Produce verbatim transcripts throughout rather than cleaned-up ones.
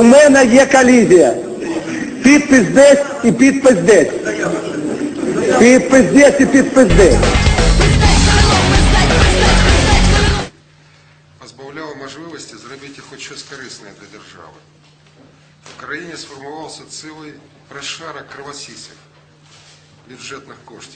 У мене є колізія. Підпис десь і підпис десь. Підпис десь і підпис десь. Позбавляв можливості зробити хоч щось корисне для держави. В країні сформувався цілий розшарок кровосісів бюджетних коштів.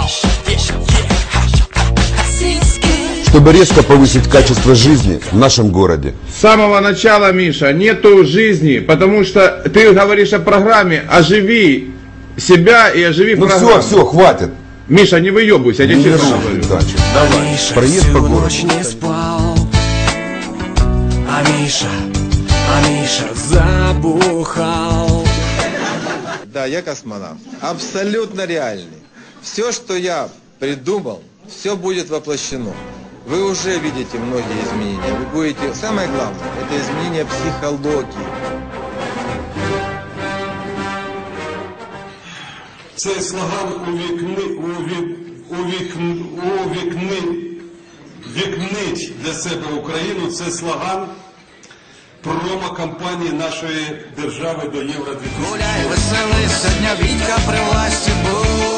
Чтобы резко повысить качество жизни в нашем городе. С самого начала, Миша, нету жизни, потому что ты говоришь о программе, оживи себя и оживи ну программу. Ну все, все, хватит. Миша, не выебывайся, я тебе честно говорю. Давай, проезд по городу. Не спал. А Миша, а Миша забухал. Да, я космонавт. Абсолютно реальный. Все, что я придумал, все будет воплощено. Вы уже видите многие изменения. Вы будете... Самое главное, это изменение психологии. Цей слоган увікни, увік, увікни, увікни, вікнить для себе Україну. Це слоган промо-кампанії нашої держави до Євро дві тисячі. Гуляй, веселися, дня Вітька при власті був.